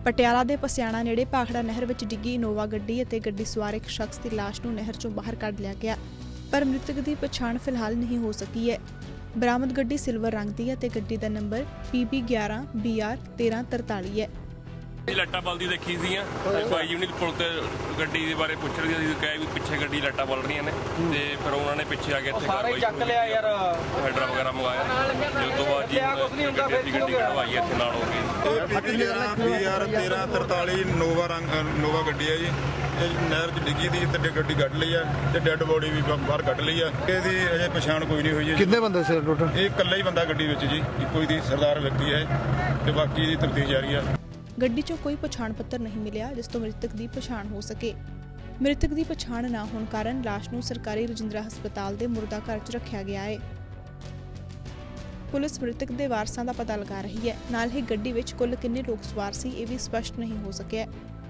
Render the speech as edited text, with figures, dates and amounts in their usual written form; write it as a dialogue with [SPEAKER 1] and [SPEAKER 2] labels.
[SPEAKER 1] ਪਟਿਆਲਾ ਦੇ ਪਸਿਆਣਾ ਨੇੜੇ ਭਾਖੜਾ ਨਹਿਰ ਵਿੱਚ ਡਿੱਗੀ ਇਨੋਵਾ ਗੱਡੀ ਅਤੇ ਗੱਡੀ ਸਵਾਰ ਇੱਕ ਸ਼ਖਸ ਦੀ ਲਾਸ਼ ਨੂੰ ਨਹਿਰ ਚੋਂ ਬਾਹਰ ਕੱਢ ਲਿਆ ਗਿਆ, ਪਰ ਮ੍ਰਿਤਕ ਦੀ ਪਛਾਣ ਫਿਲਹਾਲ ਨਹੀਂ ਹੋ ਸਕੀ ਹੈ। ਬਰਾਮਦ ਗੱਡੀ ਸਿਲਵਰ ਰੰਗ ਦੀ ਹੈ ਤੇ ਗੱਡੀ ਦਾ ਨੰਬਰ PB11BR1343 ਹੈ।
[SPEAKER 2] ਲੱਟਾਂ ਬਲਦੀ ਦੇਖੀ ਸੀਆਂ ਬਾਈ ਯੂਨਿਟ ਪੁਲ ਤੇ ਗੱਡੀ ਦੇ ਬਾਰੇ ਪੁੱਛ ਰਹੀ ਸੀ, ਕਹੇ ਵੀ ਪਿੱਛੇ ਗੱਡੀ ਲੱਟਾਂ ਬਲ ਰਹੀਆਂ ਨੇ ਤੇ ਫਿਰ ਉਹਨਾਂ ਨੇ ਪਿੱਛੇ ਆ ਕੇ ਇੱਥੇ
[SPEAKER 3] ਸਾਰੇ ਚੱਕ ਲਿਆ ਯਾਰ,
[SPEAKER 2] ਹੈਡਰਾ ਵਗੈਰਾ ਮੰਗਾਇਆ ਤੇ ਉਸ ਤੋਂ ਬਾਅਦ ਜੀ ਗੱਡੀ ਕਢਵਾਈ ਇੱਥੇ ਨਾਲ ਹੋ ਗਈ।
[SPEAKER 4] BR1343 ਨੋਵਾ ਗੱਡੀ ਹੈ ਜੀ, ਇਹ ਨਹਿਰ 'ਚ ਡਿੱਗੀ ਦੀ ਤੇ ਗੱਡੀ ਕੱਢ ਲਈ ਆ ਤੇ ਡੈੱਡ ਬੋਡੀ ਵੀ ਬਾਹਰ ਕੱਢ ਲਈ ਆ। ਇਹਦੀ ਅਜੇ ਪਛਾਣ ਕੋਈ ਨਹੀਂ ਹੋਈ ਹੈ।
[SPEAKER 5] ਕਿੰਨੇ ਬੰਦੇ ਸੀ ਟੋਟਲ?
[SPEAKER 4] ਇਹ ਇਕੱਲਾ ਹੀ ਬੰਦਾ ਗੱਡੀ ਵਿੱਚ ਜੀ, ਇੱਕੋ ਹੀ ਦੀ ਸਰਦਾਰ ਵਿਅਕਤੀ ਹੈ ਤੇ ਬਾਕੀ ਦੀ ਤਫਤੀਸ਼ ਜਾਰੀ ਆ।
[SPEAKER 1] ਗੱਡੀ 'ਚੋਂ ਕੋਈ ਪਛਾਣ ਪੱਤਰ ਨਹੀਂ ਮਿਲਿਆ ਜਿਸ ਤੋਂ ਮ੍ਰਿਤਕ ਦੀ ਪਛਾਣ ਹੋ ਸਕੇ। ਮ੍ਰਿਤਕ ਦੀ ਪਛਾਣ ਨਾ ਹੋਣ ਕਾਰਨ ਲਾਸ਼ ਨੂੰ ਸਰਕਾਰੀ ਰਜਿੰਦਰਾ ਹਸਪਤਾਲ ਦੇ ਮੁਰਦਾ ਘਰ 'ਚ ਰੱਖਿਆ ਗਿਆ ਹੈ। ਪੁਲਿਸ ਮ੍ਰਿਤਕ ਦੇ ਵਾਰਸਾਂ ਦਾ ਪਤਾ ਲਗਾ ਰਹੀ ਹੈ। ਨਾਲ ਹੀ ਗੱਡੀ ਵਿੱਚ ਕੁੱਲ ਕਿੰਨੇ ਲੋਕ ਸਵਾਰ ਸੀ ਇਹ ਵੀ ਸਪਸ਼ਟ ਨਹੀਂ ਹੋ ਸਕਿਆ।